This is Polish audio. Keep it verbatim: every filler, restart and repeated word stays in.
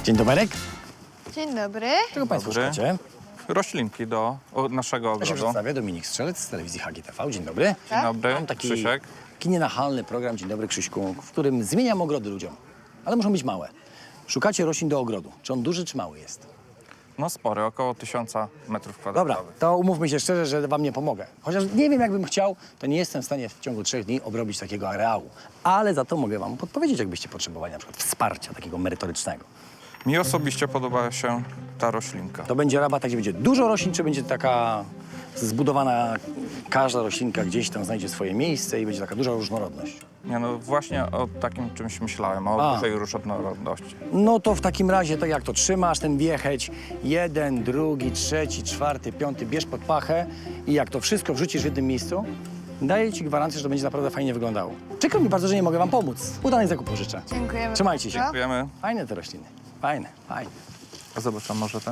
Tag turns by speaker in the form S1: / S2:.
S1: Dzień dobry.
S2: Dzień dobry.
S1: Czego Państwo
S3: Dobry.
S1: szukacie?
S3: Roślinki do o, naszego
S1: Ja się
S3: ogrodu.
S1: przedstawię, Dominik Strzelec z telewizji H G T V. Dzień dobry.
S3: Dzień dobry,
S1: Mam taki,
S3: Krzysiek.
S1: taki nienachalny program, Dzień dobry Krzyśku, w którym zmieniam ogrody ludziom. Ale muszą być małe. Szukacie roślin do ogrodu. Czy on duży, czy mały jest?
S3: No spory, około tysiąca metrów
S1: Dobra,
S3: kwadratowych.
S1: to umówmy się szczerze, że wam nie pomogę. Chociaż nie wiem, jakbym chciał, to nie jestem w stanie w ciągu trzech dni obrobić takiego areału. Ale za to mogę wam podpowiedzieć, jakbyście potrzebowali na przykład wsparcia takiego merytorycznego.
S3: Mi osobiście podoba się ta roślinka.
S1: To będzie rabat, gdzie będzie dużo roślin, czy będzie taka zbudowana, każda roślinka gdzieś tam znajdzie swoje miejsce i będzie taka duża różnorodność?
S3: Nie, no właśnie o takim czymś myślałem, o
S1: A.
S3: dużej różnorodności.
S1: No to w takim razie, tak jak to trzymasz, ten wiecheć, jeden, drugi, trzeci, czwarty, piąty, bierz pod pachę i jak to wszystko wrzucisz w jednym miejscu, daję ci gwarancję, że to będzie naprawdę fajnie wyglądało. Przykro mi bardzo, że nie mogę wam pomóc. Udanych zakupów życzę.
S2: Dziękujemy.
S1: Trzymajcie się.
S2: bardzo.
S3: Dziękujemy.
S1: Fajne te rośliny. Fajne, fajne.
S3: Zobaczę może ten.